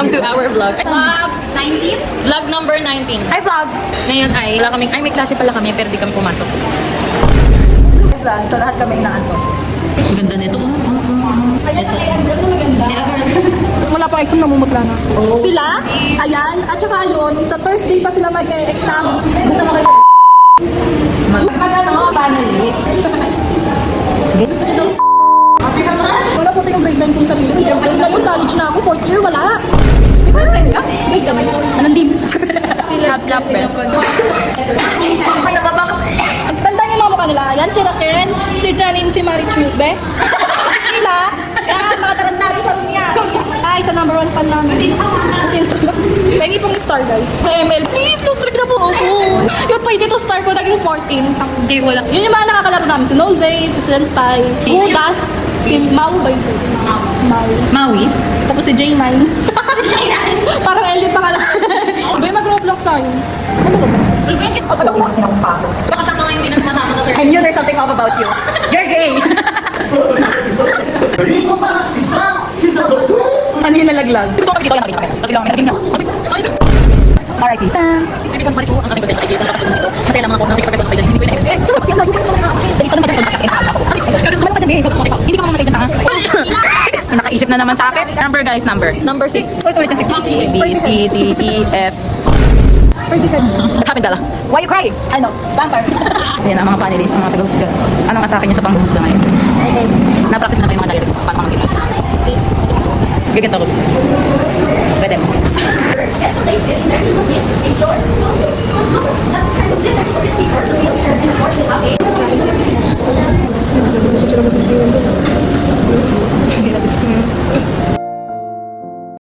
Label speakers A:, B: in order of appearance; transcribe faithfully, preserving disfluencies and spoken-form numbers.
A: Welcome to our vlog.
B: Vlog nineteen?
A: Vlog number nineteen.
B: Hi, vlog!
A: Ngayon ay, wala kaming, ay may klase pala kami pero di kami pumasok.
B: Vlog, so lahat kami inaanto.
A: Ang ganda nito. Mm, mm, mm.
B: Ayan, ay, ang girl na maganda. Wala pang exam, namumutla na. Sila, ayan, at saka yun, sa Thursday pa sila mag-exam. Gusto mo kayo pag ano, banali. Gusto nyo daw wala po tayong grade nine kung sarili. May girlfriend ngayon, college na ako, fourth year, wala. May boyfriend ka? Grade kami. Anong dim? Shop love press. Tanda niyo yung mga mukha nila. Yan, si Raquel, si Janine, si Marichube. Si Sheila. Yan, mga tarantado sa room yan. Ay, sa number one fan namin. Kasi pengi pong star, guys. Sa M L, please, lost track na po ako. Yung twenty-two star ko, naging fourteen. Hindi, wala. Yun yung mga nakakalaro namin. Si Nose, si Senpai, Gudas, si Mau ba yun sa'yo? Mau.
A: Maui?
B: Tapos si J nine. Parang Elliot pa ka lang. Ba yung mag-roblox tayo? Ano ba?
A: Baka sa mga hindi nagsasama na
B: I knew there's something off about you. You're gay! Ano yung nalaglag? Dito kami dito, yan nakita kami. Pati lang kami naging na. R I P.
A: Hindi ko balik ko ang aming potential dito sa kapatid dito. Masaya lang ako na nakikipagpapag tayo. Hindi ko na-expect.
B: Dito naman tayo kasi ano pa sabihin? Hindi ka mamatay dyan, ha? Nakaisip na naman sa akin. Number, guys, number.
A: Number six.
B: Wait, wait, six. A, B, C, D, E, F. What happened, Bella? Why you crying? Ano? Vampire. Ayan ang mga panelists, ang mga taga-husga. Anong atake niyo sa pang-husga ngayon? Okay. Na-practice na ba yung mga dialects? Paano ka mag-isa? Gaganto ko. Pwede mo.